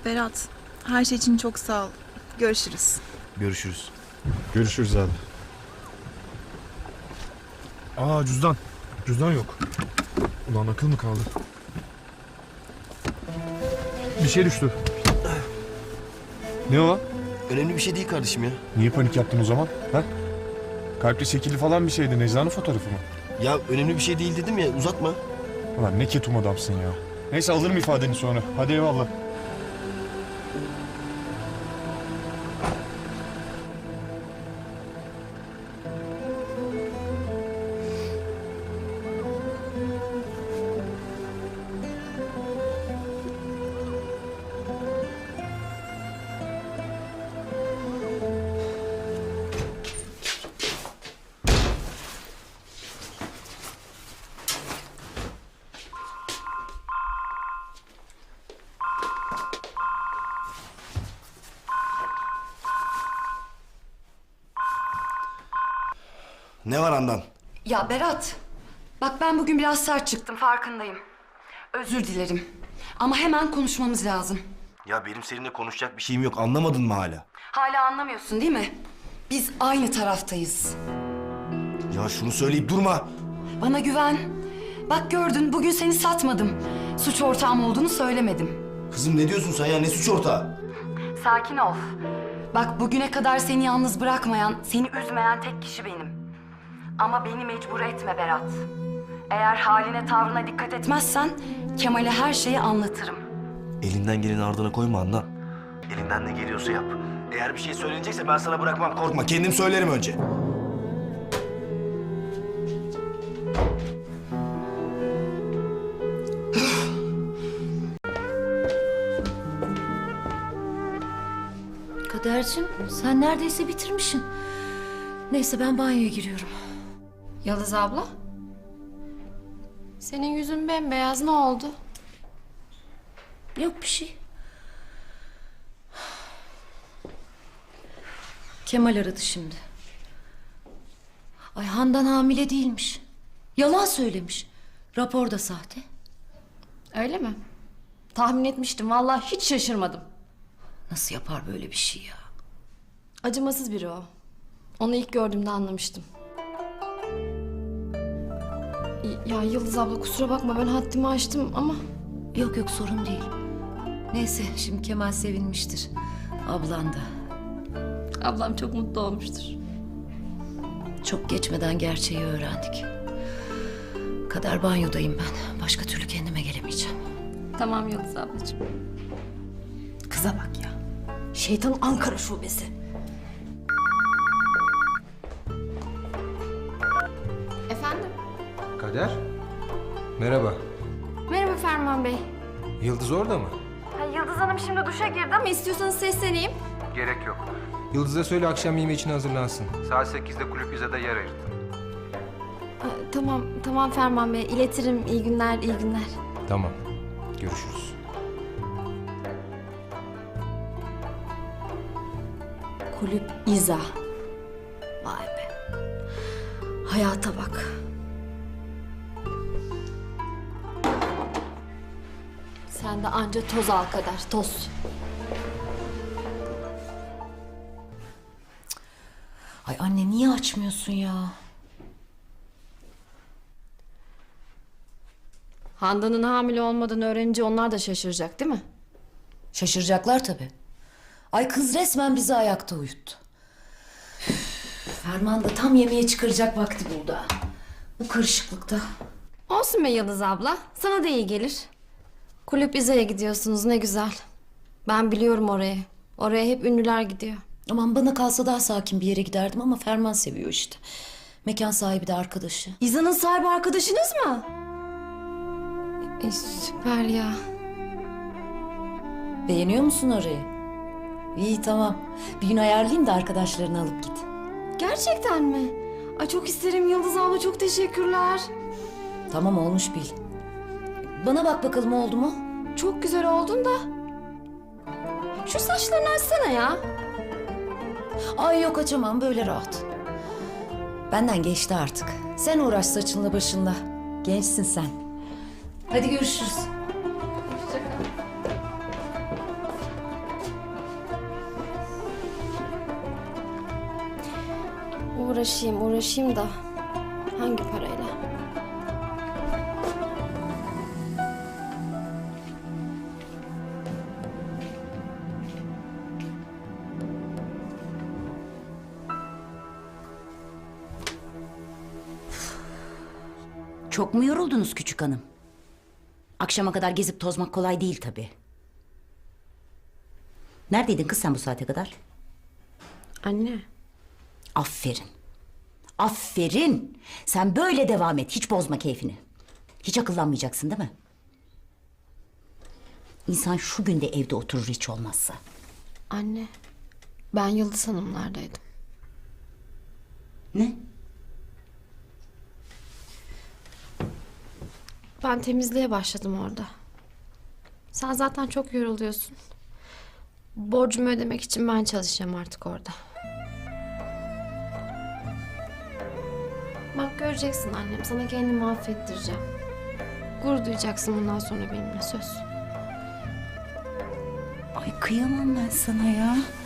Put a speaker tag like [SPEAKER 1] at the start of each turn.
[SPEAKER 1] Berat, her şey için çok sağ ol. Görüşürüz.
[SPEAKER 2] Görüşürüz.
[SPEAKER 3] Görüşürüz abi. Aa cüzdan. Cüzdan yok. Ulan akıl mı kaldı? Bir şey düştü. Ne o?
[SPEAKER 2] Önemli bir şey değil kardeşim ya.
[SPEAKER 3] Niye panik yaptın o zaman? Ha? Kalpli şekilli falan bir şeydi. Necla'nın fotoğrafı mı?
[SPEAKER 2] Ya önemli bir şey değil dedim ya, uzatma.
[SPEAKER 3] Ulan ne ketum adamsın ya. Neyse alırım ifadeni sonra. Hadi eyvallah.
[SPEAKER 2] Ne var Handan?
[SPEAKER 4] Ya Berat, bak ben bugün biraz sert çıktım, farkındayım. Özür dilerim. Ama hemen konuşmamız lazım.
[SPEAKER 2] Ya benim seninle konuşacak bir şeyim yok, anlamadın mı hala?
[SPEAKER 4] Hala anlamıyorsun değil mi? Biz aynı taraftayız.
[SPEAKER 2] Ya şunu söyleyip durma.
[SPEAKER 4] Bana güven. Bak gördün, bugün seni satmadım. Suç ortağım olduğunu söylemedim.
[SPEAKER 2] Kızım ne diyorsun sen ya, ne suç ortağı?
[SPEAKER 4] Sakin ol. Bak bugüne kadar seni yalnız bırakmayan, seni üzmeyen tek kişi benim. Ama beni mecbur etme Berat. Eğer haline tavrına dikkat etmezsen Kemal'e her şeyi anlatırım.
[SPEAKER 2] Elinden geleni ardına koyma Handan. Elinden ne geliyorsa yap. Eğer bir şey söylenecekse ben sana bırakmam, korkma. Kendim söylerim önce.
[SPEAKER 5] Kadercim, sen neredeyse bitirmişsin. Neyse ben banyoya giriyorum.
[SPEAKER 6] Yıldız abla? Senin yüzün bembeyaz, ne oldu?
[SPEAKER 5] Yok bir şey. Kemal aradı şimdi. Ay Handan hamile değilmiş. Yalan söylemiş. Rapor da sahte.
[SPEAKER 6] Öyle mi? Tahmin etmiştim, vallahi hiç şaşırmadım.
[SPEAKER 5] Nasıl yapar böyle bir şey ya?
[SPEAKER 6] Acımasız biri o. Onu ilk gördüğümde anlamıştım. Ya Yıldız abla kusura bakma, ben haddimi aştım ama...
[SPEAKER 5] Yok yok sorun değil. Neyse şimdi Kemal sevinmiştir. Ablan da.
[SPEAKER 6] Ablam çok mutlu olmuştur.
[SPEAKER 5] Çok geçmeden gerçeği öğrendik. Kader banyodayım ben. Başka türlü kendime gelemeyeceğim.
[SPEAKER 6] Tamam Yıldız ablacığım.
[SPEAKER 5] Kıza bak ya. Şeytan Ankara şubesi.
[SPEAKER 6] Efendim?
[SPEAKER 7] Kader? Merhaba.
[SPEAKER 6] Merhaba Ferman Bey.
[SPEAKER 7] Yıldız orada mı?
[SPEAKER 6] Yıldız Hanım şimdi duşa girdi ama istiyorsanız sesleneyim.
[SPEAKER 7] Gerek yok. Yıldız'a söyle akşam yemeği için hazırlansın. Saat 8'de kulüp izada yer ayırttım.
[SPEAKER 6] Tamam Ferman Bey, iletirim. İyi günler, iyi günler.
[SPEAKER 7] Tamam. Görüşürüz.
[SPEAKER 5] Kulüp İza. Vay be. Hayata bak.
[SPEAKER 6] Sen de anca toz al Kader, toz.
[SPEAKER 5] Ay anne niye açmıyorsun ya?
[SPEAKER 6] Handan'ın hamile olmadığını öğrenince onlar da şaşıracak değil mi?
[SPEAKER 5] Şaşıracaklar tabii. Ay kız resmen bizi ayakta uyuttu. Üf, Ferman da tam yemeğe çıkaracak vakti buldu ha. Bu karışıklıkta.
[SPEAKER 6] Olsun be Yıldız abla, sana da iyi gelir. Kulüp İza'ya gidiyorsunuz, ne güzel. Ben biliyorum orayı. Oraya hep ünlüler gidiyor.
[SPEAKER 5] Aman bana kalsa daha sakin bir yere giderdim ama Ferman seviyor işte. Mekan sahibi de arkadaşı.
[SPEAKER 6] İza'nın sahibi arkadaşınız mı? Süper ya.
[SPEAKER 5] Beğeniyor musun orayı? İyi tamam. Bir gün ayarlayayım da arkadaşlarını alıp git.
[SPEAKER 6] Gerçekten mi? Ay çok isterim Yıldız abla, çok teşekkürler.
[SPEAKER 5] Tamam olmuş bil. Bana bak bakalım oldu mu?
[SPEAKER 6] Çok güzel oldun da. Şu saçlarını açsana ya.
[SPEAKER 5] Ay yok açamam böyle rahat. Benden geçti artık. Sen uğraş saçınla başınla. Gençsin sen. Hadi görüşürüz.
[SPEAKER 6] uğraşayım da hangi parayla?
[SPEAKER 5] Çok mu yoruldunuz küçük hanım? Akşama kadar gezip tozmak kolay değil tabii. Neredeydin kız sen bu saate kadar?
[SPEAKER 6] Anne.
[SPEAKER 5] Aferin. Aferin. Sen böyle devam et. Hiç bozma keyfini. Hiç akıllanmayacaksın değil mi? İnsan şu günde evde oturur hiç olmazsa.
[SPEAKER 6] Anne. Ben Yıldız Hanımlardaydım.
[SPEAKER 5] Ne?
[SPEAKER 6] Ben temizliğe başladım orada. Sen zaten çok yoruluyorsun. Borcumu ödemek için ben çalışacağım artık orada. Bak göreceksin annem. Sana kendimi affettireceğim. Gurur duyacaksın bundan sonra benimle söz.
[SPEAKER 5] Ay kıyamam ben sana ya.